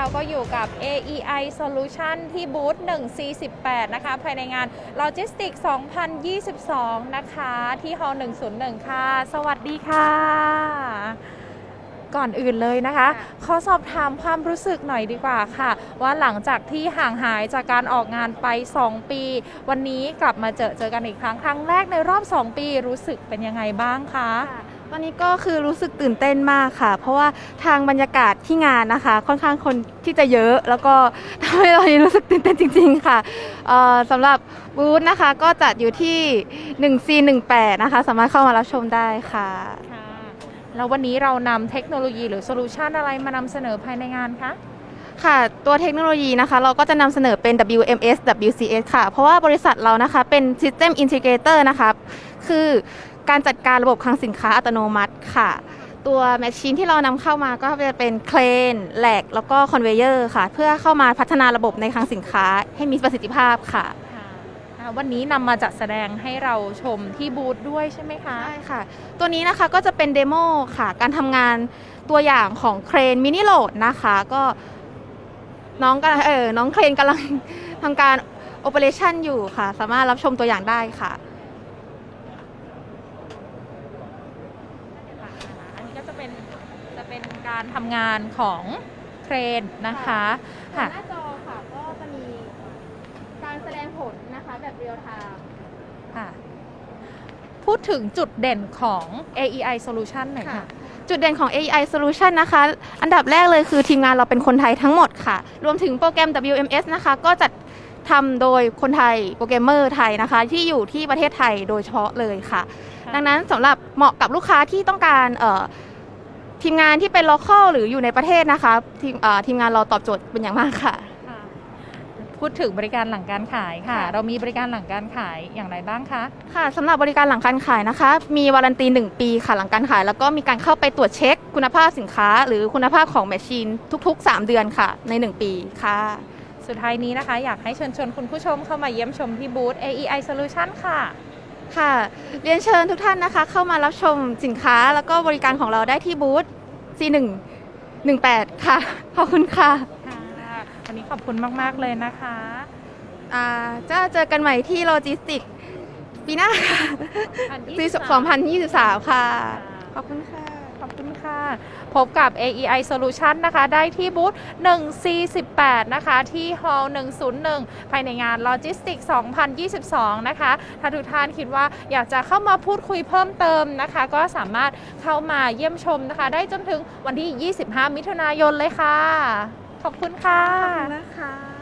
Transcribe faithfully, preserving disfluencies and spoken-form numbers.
เราก็อยู่กับ เอ อี ไอ Solution ที่บูธ หนึ่ง ซี สิบแปด นะคะภายในงาน Logistics สองพันยี่สิบสอง นะคะที่ Hall หนึ่งศูนย์หนึ่ง ค่ะ สวัสดีค่ะ ก่อนอื่นเลยนะคะขอสอบถามความรู้สึกหน่อยดีกว่าค่ะว่าหลังจากที่ห่างหายจากการออกงานไปสองปีวันนี้กลับมาเจอเจอกันอีกครั้งครั้งแรกในรอบสองปีรู้สึกเป็นยังไงบ้างคะตอนนี้ก็คือรู้สึกตื่นเต้นมากค่ะเพราะว่าทางบรรยากาศที่งานนะคะค่อนข้างคนที่จะเยอะแล้วก็ทำให้เรารู้สึกตื่นเต้นจริงๆค่ะสำหรับบูธนะคะก็จัดอยู่ที่ หนึ่ง ซี หนึ่ง แปด นะคะสามารถเข้ามารับชมได้ค่ะแล้ววันนี้เรานำเทคโนโลยีหรือโซลูชันอะไรมานำเสนอภายในงานคะค่ะตัวเทคโนโลยีนะคะเราก็จะนำเสนอเป็น ดับเบิลยู เอ็ม เอส ดับเบิลยู ซี เอส ค่ะเพราะว่าบริษัทเรานะคะเป็น System Integrator นะคะคือการจัดการระบบคลังสินค้าอัตโนมัติค่ะตัวแมชชีนที่เรานำเข้ามาก็จะเป็นเครนแหลกแล้วก็คอนเวเยอร์ค่ะเพื่อเข้ามาพัฒนาระบบในคลังสินค้าให้มีประสิทธิภาพค่ะวันนี้นำมาจัดแสดงให้เราชมที่บูธด้วยใช่ไหมคะใช่ค่ะตัวนี้นะคะก็จะเป็นเดโมค่ะการทำงานตัวอย่างของเครนมินิโหลดนะคะก็น้องก็เออน้องเครนกำลังทำการโอเปอเรชั่นอยู่ค่ะสามารถรับชมตัวอย่างได้ค่ะอันนี้ก็จะเป็นจะเป็นการทำงานของเครนนะคะหน้าจอค่ะก็จะมีการแสดงผลนะคะแบบเรียลไทม์ค่ะพูดถึงจุดเด่นของ เอ อี ไอ Solution หน่อยค่ะจุดเด่นของ เอ อี ไอ Solution นะคะอันดับแรกเลยคือทีมงานเราเป็นคนไทยทั้งหมดค่ะรวมถึงโปรแกรม ดับเบิลยู เอ็ม เอส นะคะก็จัดทำโดยคนไทยโปรแกรมเมอร์ไทยนะคะที่อยู่ที่ประเทศไทยโดยเฉพาะเลยค่ะดังนั้นสำหรับเหมาะกับลูกค้าที่ต้องการทีมงานที่เป็น local หรืออยู่ในประเทศนะคะทีมทีมงานเราตอบโจทย์เป็นอย่างมากค่ะพูดถึงบริการหลังการขายค่ะเรามีบริการหลังการขายอย่างไรบ้างคะค่ะสำหรับบริการหลังการขายนะคะมีวารันตีหนึ่งปีค่ะหลังการขายแล้วก็มีการเข้าไปตรวจเช็คคุณภาพสินค้าหรือคุณภาพของแมชชีนทุกๆสามเดือนค่ะในหนึ่งปีค่ะสุดท้ายนี้นะคะอยากให้เชิญชวนคุณผู้ชมเข้ามาเยี่ยมชมที่บูธ เอ อี ไอ Solution ค่ะค่ะเรียนเชิญทุกท่านนะคะเข้ามารับชมสินค้าแล้วก็บริการของเราได้ที่บูธ ซี หนึ่ง หนึ่ง แปด ค่ะขอบคุณค่ะวันนี้ขอบคุณมากๆเลยนะคะอ่าจะเจอกันใหม่ที่โลจิสติกปีหน้าค่ะปีสองพันยี่สิบสามค่ะขอบคุณค่ะขอบคุณค่ะพบกับ เอ อี ไอ Solution นะคะได้ที่บูธ หนึ่ง ซี สิบแปด นะคะที่ Hall หนึ่งศูนย์หนึ่ง ภายในงาน Logistics สองพันยี่สิบสอง นะคะถ้าทุกท่านคิดว่าอยากจะเข้ามาพูดคุยเพิ่มเติมนะคะก็สามารถเข้ามาเยี่ยมชมนะคะได้จนถึงวันที่ยี่สิบห้ามิถุนายนเลยค่ะขอบคุณค่ะขอบคุณนะคะ